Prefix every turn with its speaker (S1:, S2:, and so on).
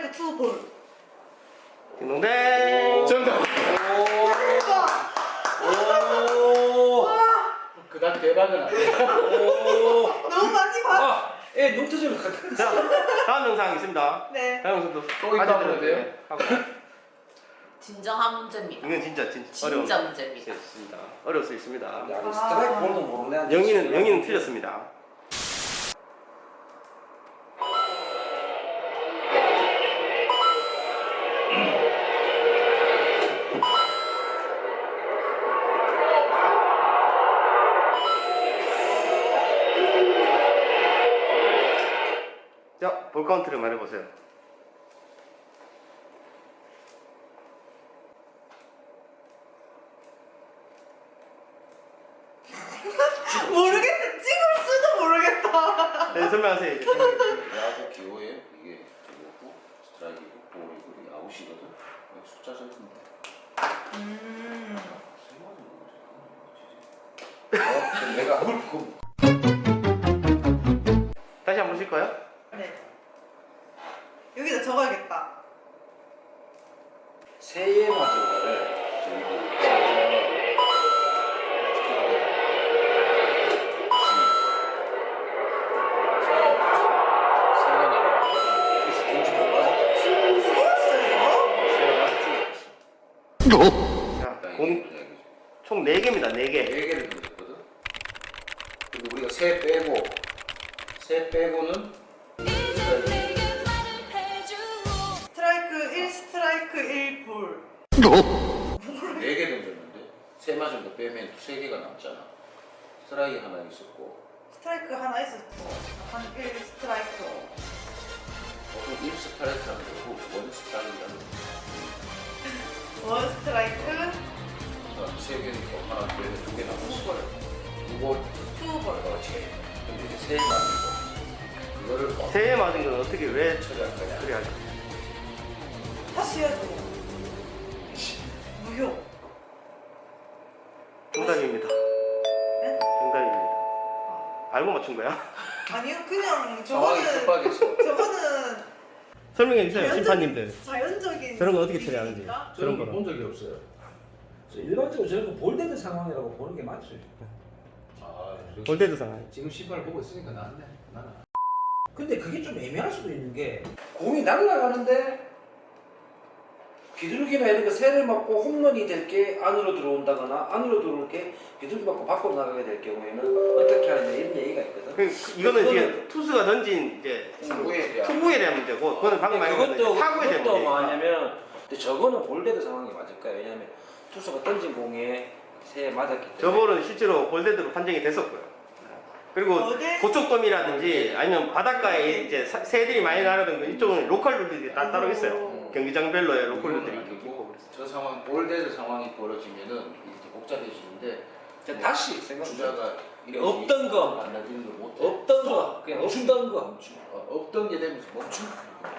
S1: 스트라이크 2 볼.
S2: 딩동댕.
S3: 정답.
S1: 오.
S3: 그다음 대박은 아니야.
S1: 너무 많이 봐.
S4: 예, 눈뜨지면 가.
S2: 자, 다음 영상 있습니다.
S1: 네.
S2: 다음 영상도
S3: 또 있다 보면 돼요?
S5: 진정한 문제입니다.
S2: 이건 진짜 어려운
S5: 진짜 문제입니다.
S2: 수 있습니다. 어려울 수 있습니다.
S4: 야, 스트라이크 볼도 모르네.
S2: 영희는 틀렸습니다. 자, 볼 카운트를 말해보세요.
S1: 모르겠다. 찍을 수도 모르겠다.
S2: 네, 설명하세요. 이제.
S6: 야구 기호에 이게 이거고 스트라이크고 볼이고 이게 아웃이거든. 숫자 적은데.
S4: 내가 hul고.
S2: 다시 한번 보실까요?
S1: 네. 여기다 적어야겠다.
S4: 새해 맞은 거를
S2: 자, 총 4개입니다. 4개.
S6: 4개를 던졌거든. 그리고 우리가 세 빼고 세 빼고는
S1: 스트라이크 1, 스트라이크 1 볼.
S6: 4개 던졌는데 세 맞은 거 빼면 3개가 남잖아. 스트라이크 하나 있었고
S1: 스트라이크 하나 있었고 한 1 스트라이크.
S6: 보통 1 스트라이크라는 거고 1 스트라이크라는 거.
S1: 1 스트라이크
S6: 3개니까 하나 빼면 2개 남았어.
S1: 2 볼.
S6: 2볼
S1: 2 볼.
S6: 그렇지. 근데 이제 세 맞은 거 그거를
S2: 새해 맞은 건 어떻게 왜
S6: 처리할 거냐.
S2: 처리하죠?
S1: 다시 해야죠. 무효.
S2: 정답입니다.
S1: 네?
S2: 정답입니다. 알고 맞춘 거야?
S1: 아니요, 그냥
S6: 상황이
S1: 저거는
S6: 급박해서
S1: 저거는
S2: 설명해 주세요, 심판님들.
S1: 자연적인
S2: 저런 거 어떻게 처리하는지.
S1: 일이니까.
S2: 그런
S3: 저런
S2: 거는.
S3: 거본 적이 없어요.
S4: 일반적으로 저런 거 볼데드 상황이라고 보는 게 맞지.
S3: 아,
S2: 볼데드 상황.
S3: 지금 신발 보고 있으니까 나는.
S4: 근데 그게 좀 애매할 수도 있는 게 공이 날아가는데 비둘기나 이런 거 새를 맞고 홈런이 될 게 안으로 들어온다거나 안으로 들어올 게 비둘기 맞고 밖으로 나가게 될 경우에는 어떻게 하느냐 이런 얘기가 있거든.
S2: 이거는 이제 투수가 던진 이제 투구에 대한 문제고, 그거는 방금 말한 타구에 대한
S4: 그것도
S2: 문제.
S4: 뭐냐면 근데 저거는 볼데드 상황이 맞을까요? 왜냐하면 투수가 던진 공에 새에 맞았기 때문에.
S2: 저볼은 실제로 볼데드로 판정이 됐었고요. 그리고 고척돔이라든지 아니면 바닷가에 이제 새들이 많이 날아다니는 이쪽은 로컬 룰들이 따로 있어요. 경기장별로의 로컬 룰들이 있고 그랬어요.
S6: 저 상황 볼데드 상황이 벌어지면은 이렇게 복잡해지는데
S4: 다시 생각해.
S6: 주자가
S4: 없던 거.
S6: 만나지는 걸 못해.
S4: 없던 거 그냥 없던 거.
S6: 없던 게 되면서 멈춤.